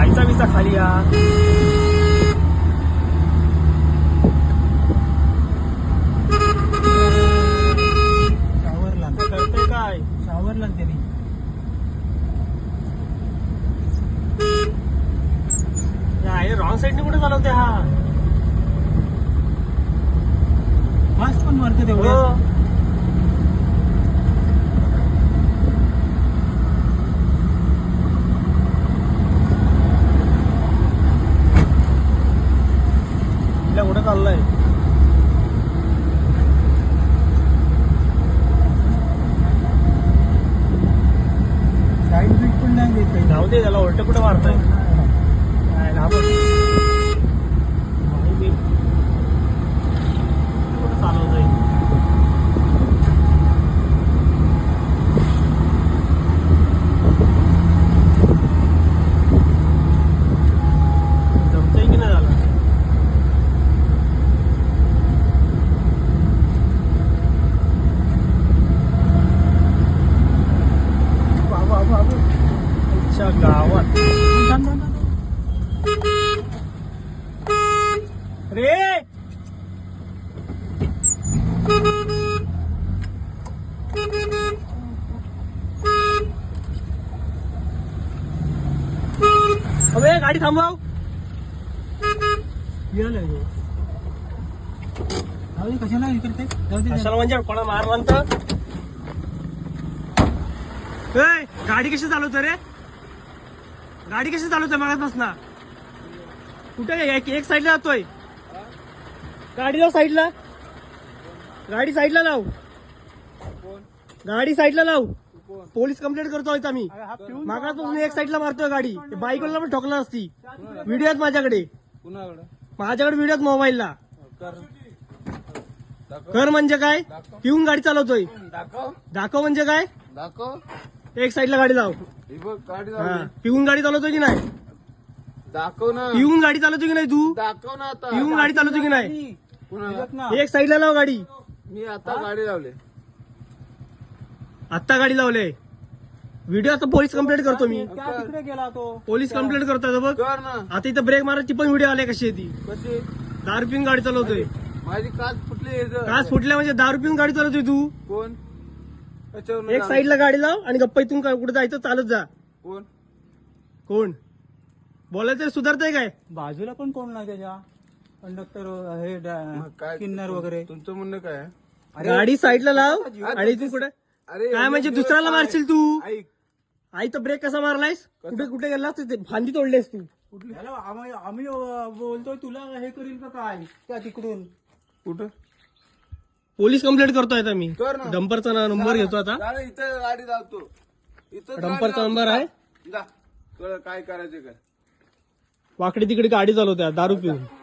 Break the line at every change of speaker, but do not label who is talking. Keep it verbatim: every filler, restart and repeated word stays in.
जायचा विसा खाली या
शावरला
करते काय
शावरला त्यांनी
रॉंग साईडने कुठे चालवते हा
फास्ट पण मारते तेवढं
हो. तिला कुठे चाललंय
साईड बीट पण नाही देत काही
जाऊ दे त्याला उलट कुठे मारताय काय ना बघ. माहिती. कुठं चालवतोय जमतंय की नाही झाला बाबा बाबा अच्छा गावात रे अबे गाडी थांबव
गेलाय तो. जाऊ दे, कशाला हे करते जाऊ दे
कशाला म्हणजे कोणा मार म्हणत गाडी कशी चालवतोय रे गाडी कशी चालवतोय मागासपासून कुठे काय एक एक साईडला जातोय गाडी लाव साईडला गाडी साईडला लाव गाडी साईडला लाव पोलीस कंप्लेंट करतोय आम्ही मागासपासून एक साईडला मारतोय गाडी बाईकला पण ठोकला असती व्हिडिओ आहेत माझ्याकडे माझ्याकडे व्हिडिओ आहेत मोबाईलला कर म्हणजे काय पिऊन गाडी चालवतोय दाखव म्हणजे काय
दाखव
एक साईडला गाडी लाव
ही बघ गाडी
हा.
लावली.
पिऊन गाडी चालवतोय की नाही
दाखव ना
पिऊन गाडी चालवतोय की नाही तू
दाखव ना आता
पिऊन गाडी चालवतोय की नाही
पुन्हा
ना
एक साईडला लाव गाडी
मी आता गाडी लावली
आत्ता गाडी लावले व्हिडिओ आता पोलीस कंप्लेंट करतो मी
त्या तिकडे गेला तो
पोलीस कंप्लेंट करतोय बघ
कर ना
आता इथं ब्रेक मारायची पण व्हिडिओ आले कशी आहे ती
कशी
दारू पिऊन गाडी चालवतोय
माझी काच फुटली इथं.
काच फुटल्या म्हणजे दारू पिऊन गाडी चालवतोय तू
कोण त्याच्यावर
एक साईडला गाडी लाव आणि गप्पा इथून काय- कुठे जायचं चालत जा
कोण
कोण बोलायचं सुधारतंय काय
बाजूला पण कोण नाही त्याच्या कंडक्टर हे
मग काय
किन्नर वगैरे
तुमचं म्हणणं काय आहे?
अरे,
गाडी साईडला लाव
अरे,
आणि तू कुठे
अरे
काय म्हणजे
एवढे
दुसऱ्याला
दिवस
मारशील तू
ऐक
आई तर ब्रेक कसा मारलायस कुठे कुठे गेलास तिथे फांदी तोडलीस तू
याला आम्ही आम्ही, अं, बोलतोय तुला हे करील का काय त्या तिकडून
कुठं
पोलीस कंप्लेंट करतोय आता मी
कर ना.
डंपरचा नंबर घेतो आता
जा ना, इथं गाडी लावतो इथं
डंपरचा नंबर आहे
जा कळ काय करायचं काय
वाकडी तिकडे गाडी चालवत्या दारू पिऊन